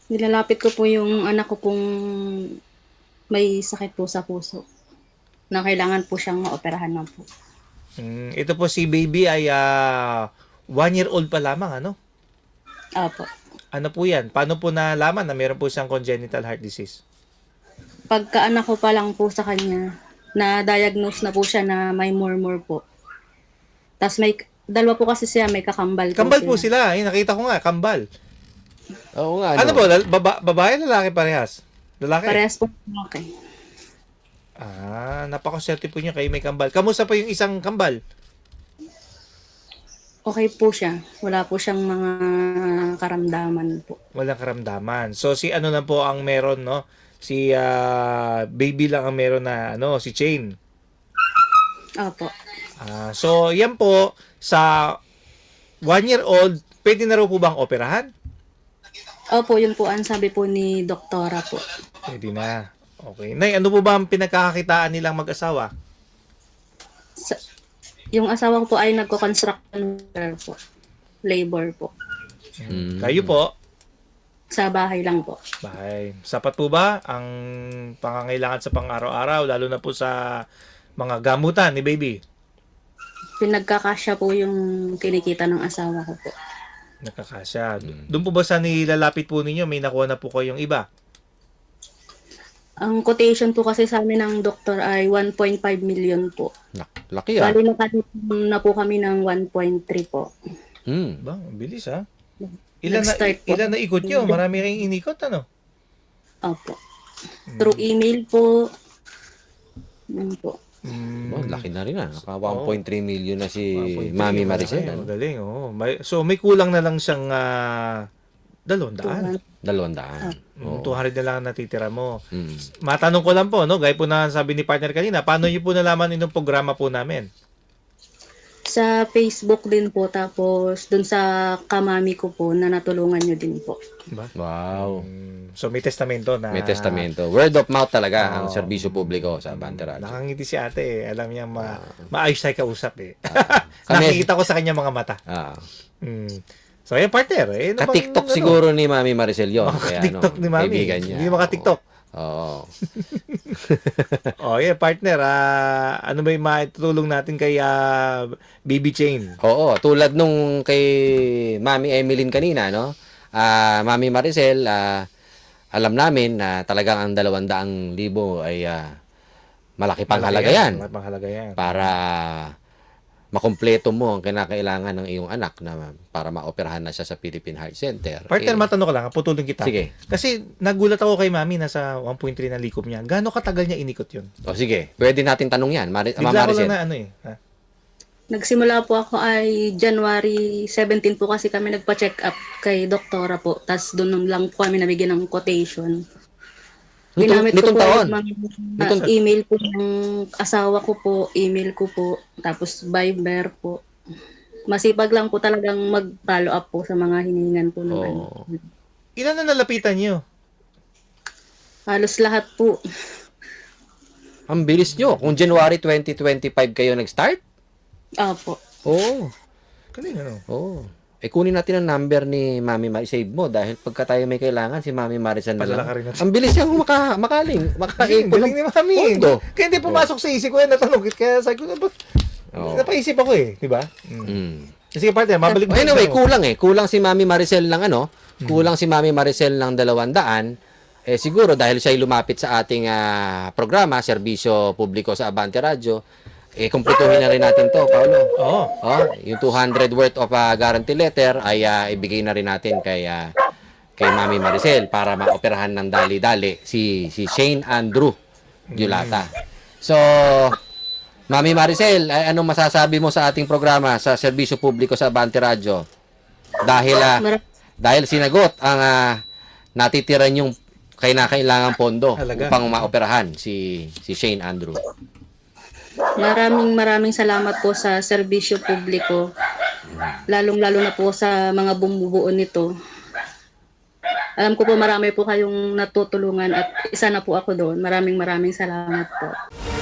Nilalapit ko po yung anak ko pong may sakit po sa puso na kailangan po siyang maoperahan na po. Ito po si baby ay 1 year old pa lamang, ano? Opo. Ano po yan? Paano po nalaman na meron po siyang congenital heart disease? Pagkaanak ko pa lang po sa kanya, na-diagnose na po siya na may murmur po. Tapos may, dalawa po kasi siya, may kakambal po Kambal po sila. sila. Nakita ko nga, kambal. Oo nga, Ano ano? po? Babae, lalaki parehas? Lalaki? Parehas po okay. Napakaswerte po niyo kayo may kambal. Kamusta po yung isang kambal? Okay po siya. Wala po siyang mga karamdaman po. Walang karamdaman. So, si ano lang po ang meron, no? Si baby lang ang meron na, ano, si Chain. Opo. So, yan po, sa 1 year old, pwede na raw po bang operahan? Opo, yun po ang sabi po ni doktora po. Pwede na. Okay. Nay, ano po ba ang pinagkakakitaan nilang mag-asawa? Sa, yung asawa ko po ay nagko-construction worker po. Labor po. Kayo po? Sa bahay lang po. Bahay. Sapat po ba ang pangangailangan sa pang-araw-araw, lalo na po sa mga gamutan ni baby? Pinagkakasya po yung kinikita ng asawa ko po. Nakakasya. Doon po ba sa nilalapit po ninyo, may nakuha na po kayong iba? Ang quotation po kasi sa amin ng doktor ay 1.5 million po. Laki ah. Bali na po kami ng 1.3 po. Ba, ang bilis ha. Ilan Nag-start po. na ikot nyo? Marami kayong inikot, ano? Opo. Through email po. Yun po. Oh, laki na rin ah. Naka 1.3 million na si 1.3, Mami magaling, Maricel. Ano? Magaling, oo. So, may kulang na lang siyang 200. 200. Oo. 200 na lang ang natitira mo. Mm. Matanong ko lang po, no? Gaya po na sabi ni partner kanina, paano niyo po nalaman itong programa po namin? Sa Facebook din po. Tapos dun sa kamami ko po na natulungan nyo din po. Ba? Wow. So, may testamento na... May testamento. Word of mouth talaga ang serbisyo publiko sa Abante Radio. Nakangiti si ate eh. Alam niya maayos tayo kausap eh. Kami- Nakikita ko sa kanya mga mata. Ah. So, ayan partner. Eh, ano bang, Ka-TikTok ano? siguro ni Mami Maricel yun. Kaya, TikTok ni Mami. Kaibigan niya. Hindi maka-TikTok. Oo. Yeah, partner. Ano ba yung maitutulong natin kay Baby Chain? Oo, tulad nung kay Mami Emeline kanina, no? Mami Maricel, alam namin na talagang ang 200,000 ay malaki pang halaga yan. Malaki pang halaga yan. Para makumpleto mo ang kinakailangan ng iyong anak na para maoperahan na siya sa Philippine Heart Center. Partner, matanong ko lang. Putulong kita. Sige. Kasi nagulat ako kay Mami nasa 1.3 na likom niya. Gaano katagal niya inikot yun? O sige, pwede natin tanong yan, Mama Bigla ko lang Maricel. na ano eh. Ha? Nagsimula po ako ay January 17 po kasi kami nagpa-check up kay doktora po. Tapos doon lang po kami nabigyan ng quotation. Ginamit ko Nitong po taon? yung email po ng asawa ko po, email ko po, tapos Viber po. Masipag lang po talagang mag-follow up po sa mga hiningan po ng ano. Oo. Ilan na nalapitan niyo? Halos lahat po. Ang bilis nyo. Kung January 2025 kayo nag-start? Opo. Oo. Galing ano? Oo. Kunin natin ang number ni Mami Maricel. Save mo dahil pagka tayo may kailangan, si Mami Maricel na Padala lang. ka rin natin. Ang bilis niyang makaling. Galing ni Mami. Pondo. Kaya hindi pumasok sa isip ko yan. Natanong. Kaya sabi ko, Oo. napaisip ako eh. Diba? Sige partner, mabalik mo. Anyway, kulang eh. Kulang si Mami Maricel ng ano? Kulang si Mami Maricel ng 200. Siguro dahil siya ay lumapit sa ating programa, serbisyo publiko sa Abante Radio, kumpletuhin na rin natin to, Paolo. Oo. Yung 200 worth of guarantee letter ay ibigay na rin natin kay Mami Maricel para maoperahan ng dali-dali si Shane Andrew Diolata. So, Mami Maricel, anong masasabi mo sa ating programa sa serbisyo publiko sa Abante Radio? Dahil sinagot ang natitira yung kailangang pondo Halaga. upang maoperahan si Shane Andrew. Maraming salamat po sa serbisyo publiko. Lalong-lalo na po sa mga bumubuo nito. Alam ko po marami po kayong natutulungan at isa na po ako doon. Maraming salamat po.